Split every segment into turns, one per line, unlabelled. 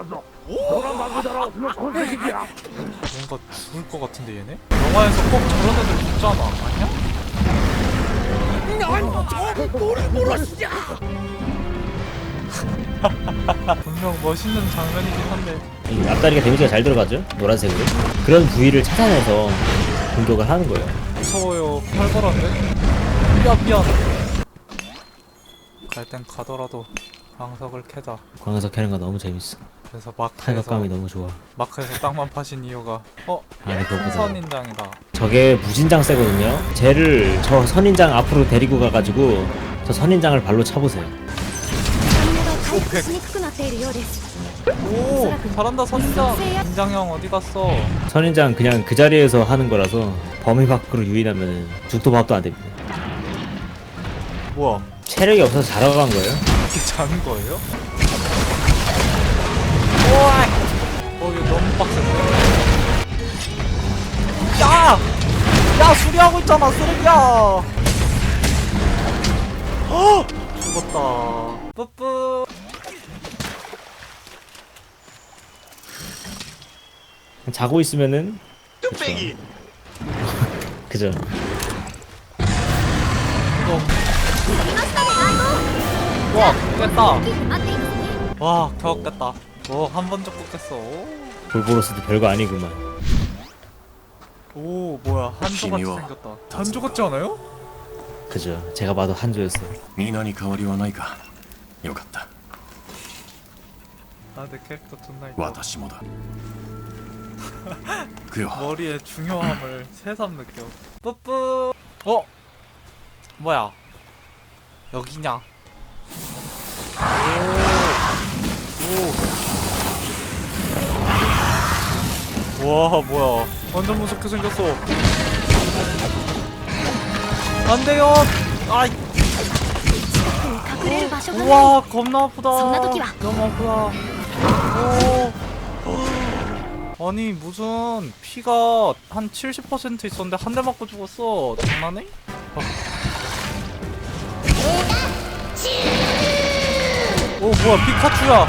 뭔가 죽을 것 같은데 얘네? 영화에서 꼭 저런 애들 죽잖아 아니야? 분명 멋있는 장면이긴 한데
이 앞다리가 데미지가 잘 들어가죠? 노란색으로. 그런 부위를 찾아내서 공격을 하는 거예요.
무서워요. 활발한데? 미안. 갈 땐 가더라도 광석을 캐자.
광석 캐는 거 너무 재밌어.
그래서 마크에서
타격감이 너무 좋아.
땅만 파신 이유가
아니 그거보다
선인장이다.
저게 무진장 세거든요. 쟤를 저 선인장 앞으로 데리고 가가지고 저 선인장을 발로 차보세요.
오 잘한다 선인장. 인장형 어디 갔어?
선인장 그냥 그 자리에서 하는 거라서 범위 밖으로 유인하면 죽도 밥도 안 됩니다.
뭐야?
체력이 없어서 자러 간 거예요.
이렇게 자는 거예요? 오이! 이거 너무 빡센데? 야! 야 수리하고 있잖아 쓰레기야! 어! 죽었다. 뿌뿌.
자고 있으면은 그죠.
와 깼다. 와 겨우 깼다. 한 번 잡고 깼어.
볼보로스도 별거 아니구만.
오 뭐야 한조같이 생겼다. 한조 같지 않아요?
그죠. 제가 봐도 한조였어.
に何か変わりはないかよかった
아 내 캐릭터 존나 이뻐.
私もだくよ
머리의 중요함을 새삼 느껴. 뿌뿌. 뭐야? 여기냐? 오. 와 뭐야? 완전 무섭게 생겼어. 안 돼요. 아이. 우와 겁나 아프다. 너무 아프다. 오. 아니 무슨 피가 한 70% 있었는데 한 대 맞고 죽었어. 장난해? 오 뭐야 피카츄야.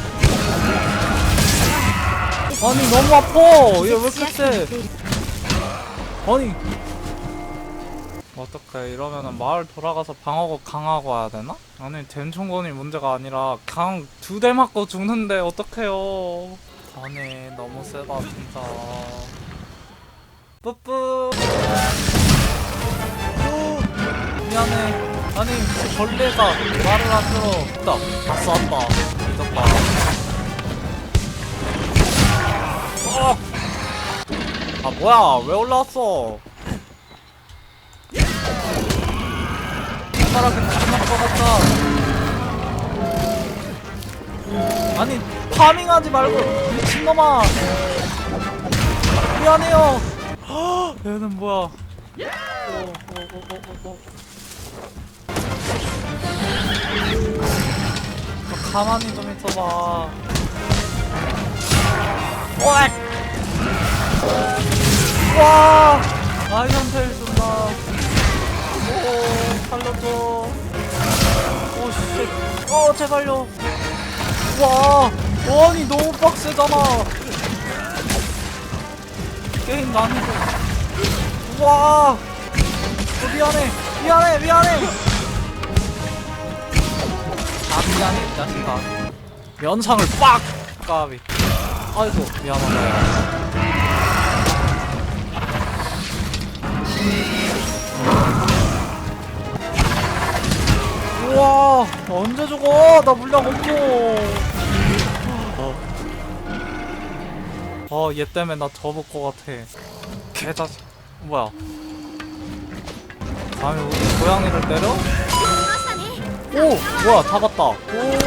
아니 너무 아파. 얘 왜 이렇게 세? 아니 어떡해 이러면은 마을 돌아가서 방어구 강하고 와야 되나? 아니 덴총건이 문제가 아니라 강 2대 맞고 죽는데 어떡해요. 아니 너무 세다 진짜. 뿌뿌. 미안해. 아니 벌레가 말을 안 들어. 있다. 다 쐈다. 잊었다. 아 뭐야 왜 올라왔어? 손가락은 끝날 것 같다. 아니 파밍하지 말고 미친놈아. 미안해요. 얘는 뭐야? 가만히 좀 있어봐. 오엑! 와! 아이언테일 준다. 오, 살려줘. 오, 씨. 제발요. 와! 아니, 너무 빡세잖아. 게임 난이도. 와! 미안해. 미안해, 이 자식아. 면상을 빡! 까비. 아이고, 미안하다. 우와, 언제 죽어? 나 물량 없어. 얘 때문에 나 접을 것 같아. 개자식. 뭐야? 감히 우리 고양이를 때려? 오! 뭐야, 다 봤다. 오!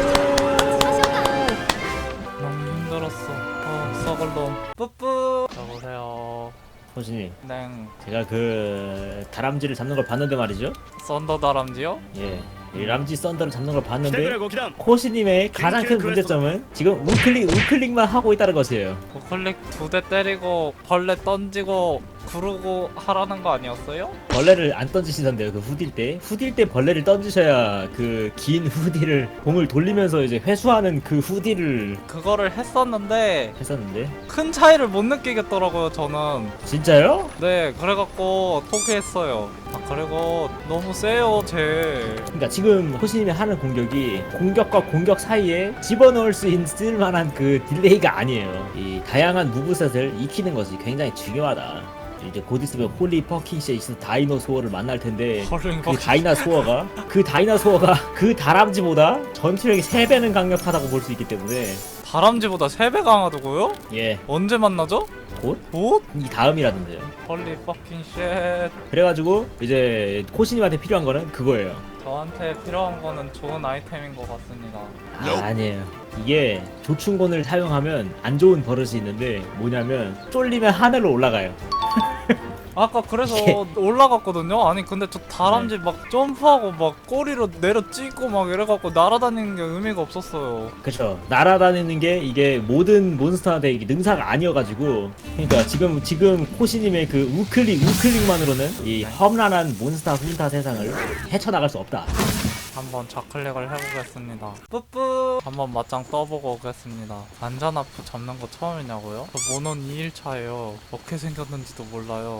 너무 힘들었어. 썩을 놈. 뿌뿌. 여보세요.
호진이,
냉.
제가 그 다람쥐를 잡는 걸 봤는데 말이죠.
썬더 다람쥐요?
예, 이 람쥐 썬더를 잡는 걸 봤는데 코시님의 가장 큰 문제점은 지금 우클릭만 하고 있다는 것이에요.
우클릭 2대 때리고 벌레 던지고 구르고 하라는 거 아니었어요?
벌레를 안 던지시던데요. 그 후딜 때 벌레를 던지셔야 그 긴 후디를 공을 돌리면서 이제 회수하는 그 후디를
그거를 했었는데
했었는데.
큰 차이를 못 느끼겠더라고요 저는.
진짜요?
네, 그래갖고 포기했어요. 아, 그리고 너무 세요 쟤.
그러니까 지금 호시님이 하는 공격이 공격과 공격 사이에 집어넣을 수 있을 만한 그 딜레이가 아니에요. 이 다양한 무브셋을 익히는 것이 굉장히 중요하다. 이제 곧 있으면 홀리 퍼킹 쉐이스 다이노소어를 만날 텐데 그 다이나소어가 그 다람쥐보다 전투력이 3배는 강력하다고 볼 수 있기 때문에
다람쥐보다 3배 강하다고요?
예,
언제 만나죠?
곧?
곧?
이 다음이라던데요.
헐리 퍼킹 쉣.
그래가지고 이제 코시님한테 필요한 거는 그거예요.
저한테 필요한 거는 좋은 아이템인 것 같습니다.
아니에요. 이게 조충곤을 사용하면 안 좋은 버릇이 있는데 뭐냐면 쫄리면 하늘로 올라가요.
아까 그래서
예.
올라갔거든요? 아니 근데 저 다람쥐 막 점프하고 막 꼬리로 내려 찍고 막 이래갖고 날아다니는 게 의미가 없었어요.
그쵸. 날아다니는 게 이게 모든 몬스터한테 이게 능사가 아니어가지고 그러니까 지금 코시님의 그 우클릭만으로는 이 험난한 몬스터 훈타 세상을 헤쳐나갈 수 없다.
한번 좌클릭을 해보겠습니다. 뿌뿌. 한번 맞짱 떠보고 오겠습니다. 안전아프 잡는 거 처음이냐고요? 저 모논 2일차예요. 어떻게 생겼는지도 몰라요.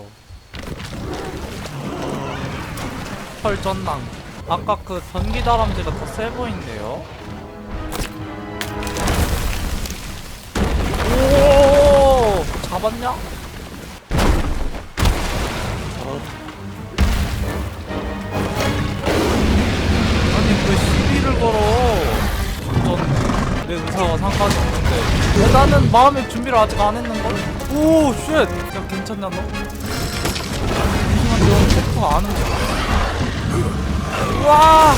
헐전낭. 아까 그 전기 다람쥐가 더 세 보인대요. 오, 잡았냐? 아니 왜 시비를 걸어? 전 내 의사와 상관이 없는데 왜 나는 마음의 준비를 아직 안 했는걸? 오 쉣! 야 괜찮냐 너? 하지만 너 템포 안 움직여. 와!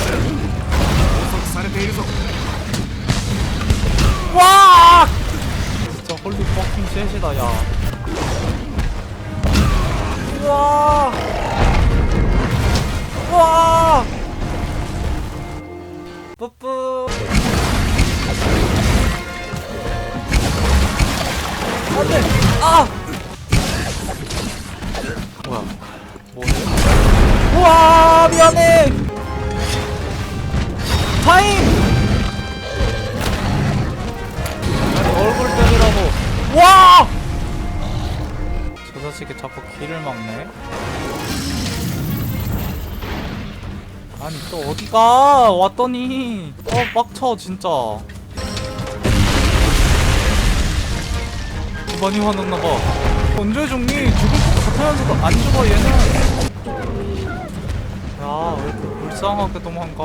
와! 진짜 홀리 퍼킹 쉣이다 야. 와! 와! 뿌뿌. 안돼. 아. 뭐야? 뭐해? 우와 미안해. 타임. 아니 얼굴 때리라고. 와. 저 자식이 자꾸 길을 막네. 아니 또 어디가 왔더니 빡쳐 진짜. 많이 화났나봐. 언제 죽니? 죽을 것 같으면서도 안 죽어 얘는. 야 왜 이렇게 불쌍하게 도망가.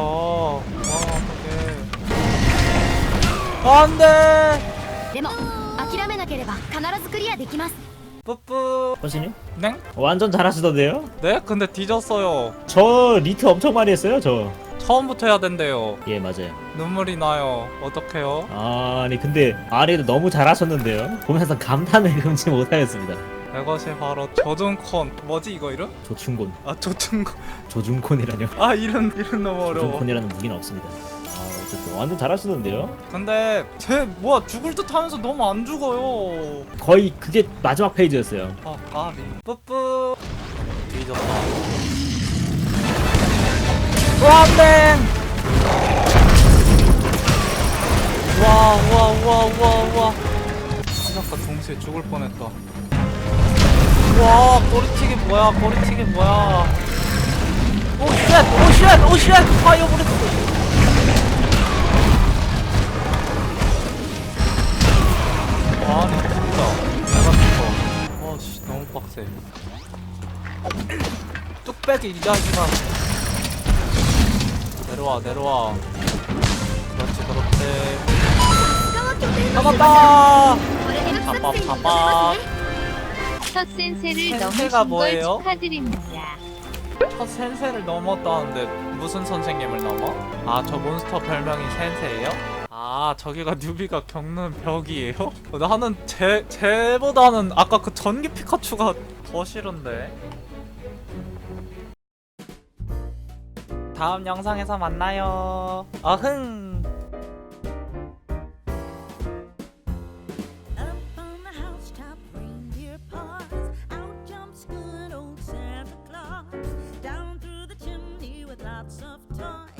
어떡해. 안돼.
でも諦めなければ必ずクリアできます
뿌뿌.
호시님?
네?
완전 잘하시던데요?
네? 근데 뒤졌어요.
저 리트 엄청 많이 했어요 저.
처음부터 해야 된대요.
예 맞아요.
눈물이 나요. 어떡해요?
아니 근데 아래도 너무 잘하셨는데요. 보면서 감탄을 금치 못하겠습니다.
이것이 바로 조준콘. 뭐지 이거 이름?
조충곤,
아 조준콘.
조준콘이라뇨.
아 이름 너무 어려워.
조준콘이라는 무기는 없습니다. 어쨌든 완전 잘하시는데요.
근데 쟤 뭐야 죽을 듯 하면서 너무 안 죽어요.
거의 그게 마지막 페이지였어요.
아 까비. 뿌뿌. 뒤졌다. 와 안돼. 와. 시작과 동시에 죽을 뻔했다. 와 꼬리튀기 뭐야 꼬리튀기 뭐야. 오쉣 파이어 브레스. 아니 진짜 내가 죽어. 와씨 너무 빡세. 뚝배기 이 자식아. 내려와 그렇지
他は拠点の
잡았다.
これで作戦に
잡아.
臨みますね
첫 센세를
센세가
넘으신
뭐예요?
걸 축하드립니다.
첫 센세를 넘었다는데 무슨 선생님을 넘어? 아 저 몬스터 별명이 센세예요? 아 저기가 뉴비가 겪는 벽이에요? 나는 쟤보다는 아까 그 전기 피카츄가 더 싫은데. 다음 영상에서 만나요. 어흥.
Up on the housetop, reindeer paws, out jumps good.
lots of time.